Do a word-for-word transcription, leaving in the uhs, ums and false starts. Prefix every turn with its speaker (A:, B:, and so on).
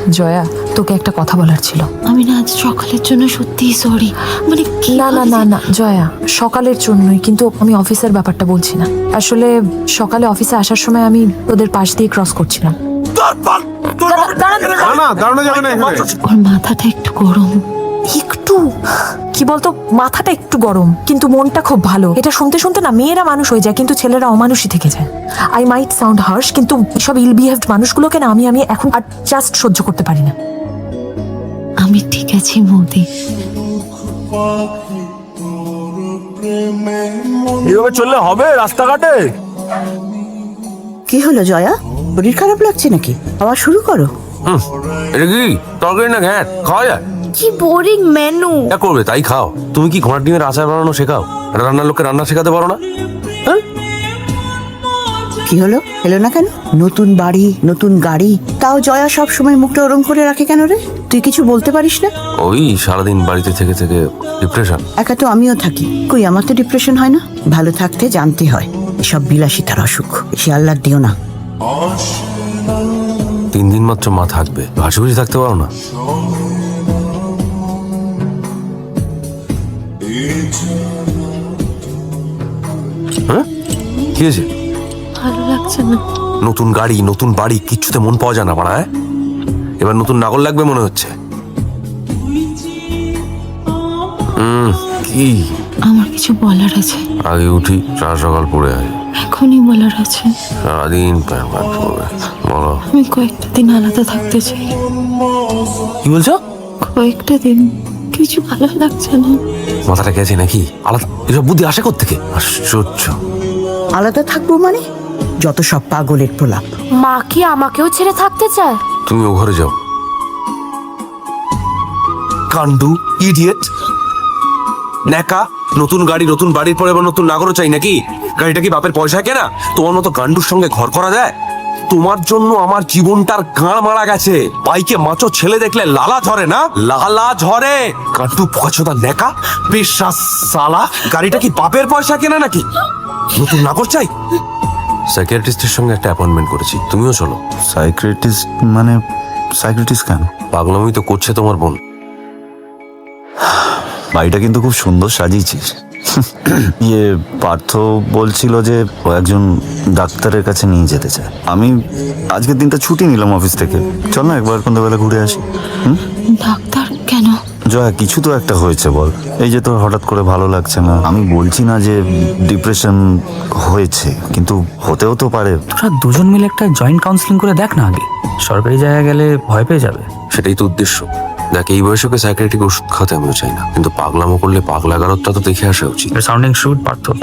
A: জয়া, তোকে একটা কথা বলার ছিল।
B: আমি না আজ সকালের জন্য সত্যিই সরি। মানে
A: না না না না জয়া, সকালের জন্যই, কিন্তু আমি অফিসের ব্যাপারটা বলছি না। আসলে সকালে অফিসে আসার সময় আমি তোদের পাশ দিয়ে ক্রস করছিলাম।
B: ওর মাথাটা একটু গরম।
A: একটু কি বলতো, মাথাটা একটু গরম কিন্তু মনটা খুব ভালো। এটা শুনতে শুনতে না মেয়েরা মানুষ হয়ে যায় কিন্তু ছেলেরা অমানুষই থেকে যায়। আই মাইট সাউন্ড হার্শ, কিন্তু সব ইল বিহেভড মানুষগুলোকে না আমি আমি এখন আর জাস্ট সহ্য করতে পারি না।
B: আমি ঠিক আছি মোদি।
C: এভাবে চললে হবে রাস্তাঘাটে?
D: কি হলো জয়া, শরীর খারাপ লাগছে নাকি? আবার শুরু করো।
C: এটা কি তরকারি না ঘ্যাট? খাওয়া যায়?
B: কি বোরিং মেনু।
C: যা করবে তাই খাও। তুমি কি ঘোড়ার ডিমের আচার বানানো শেখাও? রান্নার লোককে রান্না শেখাতে পারো না?
D: কি হলো, এলো না কেন? নতুন বাড়ি, নতুন গাড়ি, তাও জয়া সব সময় মুখটা ওরম করে রাখে কেন রে? তুই কিছু বলতে পারিস না?
C: ওই সারাদিন বাড়িতে থেকে থেকে ডিপ্রেশন।
D: একা তো আমিও থাকি, কই আমার তো ডিপ্রেশন হয় না। ভালো থাকতে জানতে হয়, এসব বিলাসিতার অসুখ বেশি আহ্লাদ দিও না।
C: তিন দিন মাত্র মা থাকবে, হাসি খুশি থাকতে পারো না? হ্যাঁ কি হয়েছে?
B: ভালো লাগছে না।
C: নতুন গাড়ি, নতুন বাড়ি, কিচ্ছুতে মন পাওয়া যায় না পাড়া। হ্যাঁ, এবার নতুন নাগর লাগবে মনে হচ্ছে। হুম কি
B: আমার কিছু বলার আছে।
C: আগে উঠি, সারা সকাল পড়ে আয়,
B: এখনই বলার আছে।
C: সারাদিন প্যান প্যান করবে। বলো।
B: আমি কয়েকটা দিন আলাদা থাকতে চাই।
C: কি বলছো?
B: কয়েকটা দিন কিছু ভালো লাগছে না।
C: মাথাটা গেছে নাকি? আলাদা এসব বুদ্ধি আসে কোত্থেকে? আশ্চর্য।
D: আলাদা থাকবো মানে? যত সব পাগলের প্রলাপ।
B: মা কি আমাকেও ছেড়ে থাকতে চায়?
C: তুমি ও ঘরে যাও। কান্ডু, ইডিয়েট, ন্যাকা। নতুন গাড়ি, নতুন বাড়ির পরে আবার নতুন নাগরও চাই নাকি? গাড়িটা কি বাপের পয়সা কেনা? তোমার মতো গান্ডুর সঙ্গে ঘর করা যায়? তোমার জন্য আমার জীবনটার গাঁড় মারা গেছে। বাইকে মাচো ছেলে দেখলে লালা ঝরে না? লালা ঝরে। কান্ডু পছন্দা ন্যাকা পেশা সালা। গাড়িটা কি বাপের পয়সা কেনা নাকি? নতুন নাগর চাই। সাইকিয়াট্রিস্টের সঙ্গে একটা অ্যাপয়েন্টমেন্ট করেছি, তুমিও চলো।
E: সাইকিয়াট্রিস্ট মানে? সাইকিয়াট্রিস্ট কেন?
C: পাগলামি তো করছে তোমার বোন।
E: বাড়িটা কিন্তু খুব সুন্দর সাজিয়েছিস। ইয়ে পার্থ বলছিল যে ও একজন ডাক্তারের কাছে নিয়ে যেতে চায়। আমি আজকের দিনটা ছুটি নিলাম অফিস থেকে, চল না একবার সন্ধ্যাবেলা ঘুরে আসি। হুম,
B: ডাক্তার কেন?
E: জয়া কিছু তো একটা হয়েছে বল। এই যে তোর হঠাৎ করে ভালো লাগছে না, আমি বলছি না যে ডিপ্রেশন হয়েছে, কিন্তু হতেও তো পারে।
F: তোরা দুজন মিলে একটা জয়েন্ট কাউন্সিলিং করে দেখ না আগে। সরকারি জায়গায় গেলে ভয় পেয়ে যাবে।
C: সেটাই তো উদ্দেশ্য। দেখ, এই বয়সকে সাইকিয়াট্রিক ওষুধ খাওয়াতে আমিও চাই না, কিন্তু পাগলামো করলে পাগলাগারতটা তো দেখে আসা উচিত।
F: Sounding shoot Partha.